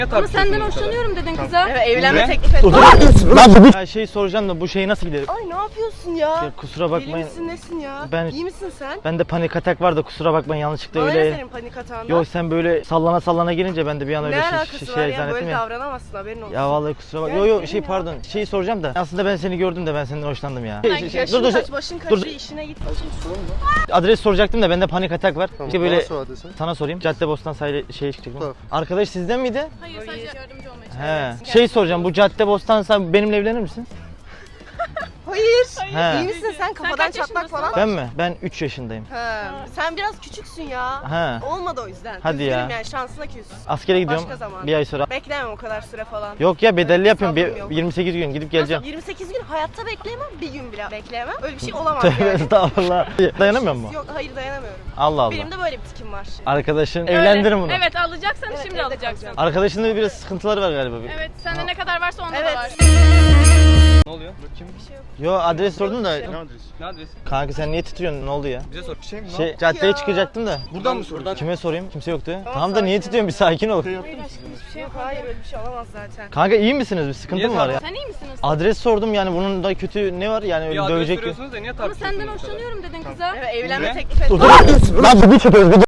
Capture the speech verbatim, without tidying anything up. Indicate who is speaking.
Speaker 1: Ama senden hoşlanıyorum dedin kıza.
Speaker 2: Evet, evlenme teklif et.
Speaker 3: Ya şey soracağım da bu şeyi nasıl giderim?
Speaker 2: Ay ne yapıyorsun ya?
Speaker 3: Ya kusura bakmayın.
Speaker 2: Deli misin nesin ya?
Speaker 3: Ben-
Speaker 2: İyi misin sen?
Speaker 3: Bende panik atak var da kusura bakmayın yanlışlıkla
Speaker 2: Bana ne
Speaker 3: öyle.
Speaker 2: senin panik hatandan?
Speaker 3: Yok sen böyle sallana sallana gelince ben de bir an öyle
Speaker 2: ne
Speaker 3: şey,
Speaker 2: alakası
Speaker 3: şey,
Speaker 2: var
Speaker 3: şey
Speaker 2: ya?
Speaker 3: zannettim
Speaker 2: Böyle
Speaker 3: ya.
Speaker 2: davranamazsın, haberin olsun.
Speaker 3: Ya vallahi kusura bak.
Speaker 2: Gel
Speaker 3: Yo yo
Speaker 2: gelin
Speaker 3: şey
Speaker 2: ya.
Speaker 3: pardon. Şeyi soracağım da. Aslında ben seni gördüm de ben senden hoşlandım ya.
Speaker 2: Şey,
Speaker 3: Şey, şey,
Speaker 2: yaşın
Speaker 3: dur dur.
Speaker 2: kaç, başın kaç,
Speaker 3: dur.
Speaker 2: işine git.
Speaker 3: Adres soracaktım da bende panik atak var.
Speaker 4: Tamam,
Speaker 3: İşte böyle
Speaker 4: bana sor adresi.
Speaker 3: sana sorayım. Caddebostan sahili şeye çıkacaktım.
Speaker 4: Tamam.
Speaker 3: Arkadaş sizden miydi?
Speaker 1: Hayır sadece yardımcı olmaya çalışıyorum.
Speaker 3: He. Şey soracağım. Bu Caddebostan sen benimle evlenir misin?
Speaker 2: Hayır.
Speaker 3: He.
Speaker 2: İyi misin sen? Kafadan
Speaker 1: kaç
Speaker 2: çatlak
Speaker 1: yaşındasın?
Speaker 2: falan.
Speaker 3: Ben mi? Ben üç yaşındayım.
Speaker 2: He. Sen biraz küçüksün ya.
Speaker 3: He.
Speaker 2: Olmadı o yüzden.
Speaker 3: Hadi
Speaker 2: Üzgünüm
Speaker 3: ya.
Speaker 2: yani, şansına küs.
Speaker 3: Askere gidiyorum.
Speaker 2: Başka zaman.
Speaker 3: Bir ay sonra.
Speaker 2: Beklemem o kadar süre falan.
Speaker 3: Yok ya bedelli
Speaker 2: Öyle bir
Speaker 3: yapıyorum.
Speaker 2: sabrım
Speaker 3: Bir,
Speaker 2: yok.
Speaker 3: yirmi sekiz gün gidip geleceğim.
Speaker 2: yirmi sekiz gün hayatta bekleyemem, bir gün bile bekleyemem. Öyle bir şey olamaz
Speaker 3: Tövbe
Speaker 2: yani.
Speaker 3: estağfurullah. Dayanamıyor mu?
Speaker 2: Yok, hayır dayanamıyorum.
Speaker 3: Allah Allah.
Speaker 2: Benim de böyle bir tikim var.
Speaker 3: Arkadaşın
Speaker 1: Öyle.
Speaker 3: evlendirin bunu.
Speaker 1: Evet alacaksan
Speaker 2: Evet,
Speaker 1: şimdi
Speaker 2: evde
Speaker 1: alacaksın.
Speaker 2: kalacağım.
Speaker 3: Arkadaşının da biraz sıkıntıları var galiba.
Speaker 1: Evet sende ne kadar varsa onda
Speaker 2: Evet.
Speaker 1: da var.
Speaker 5: Ne oluyor? Bakayım.
Speaker 3: Yo adres sordum da.
Speaker 4: Ne adresi?
Speaker 5: Ne adresi?
Speaker 3: Kanka sen niye titriyorsun? Ne oldu ya?
Speaker 5: Bize sor.
Speaker 4: Şey mi?
Speaker 3: Şey caddeye
Speaker 2: ya?
Speaker 3: çıkacaktım da.
Speaker 4: Buradan mı soruyorsun?
Speaker 3: Kime sorayım? Kimse yoktu.
Speaker 2: Tamam,
Speaker 3: Tamam da niye
Speaker 2: sakin.
Speaker 3: titriyorsun? Bir sakin ol.
Speaker 4: Şey yaptın mı siz?
Speaker 2: Yok, hayır öyle bir şey olamaz zaten.
Speaker 3: Kanka iyi misiniz? Bir sıkıntı
Speaker 5: Niye
Speaker 3: mı var ya?
Speaker 1: Sen iyi misiniz?
Speaker 3: Adres sordum yani bunun da kötü ne var yani
Speaker 5: Bir
Speaker 3: öyle
Speaker 5: adres
Speaker 3: dövecek.
Speaker 5: soruyorsunuz da niye
Speaker 1: Ama
Speaker 5: tartışıyorsunuz?
Speaker 1: senden
Speaker 5: bu kadar?
Speaker 1: hoşlanıyorum dedin kıza.
Speaker 2: Evet, evlenme
Speaker 5: Ne?
Speaker 2: teklif et.
Speaker 3: Lan bir çıkıyoruz.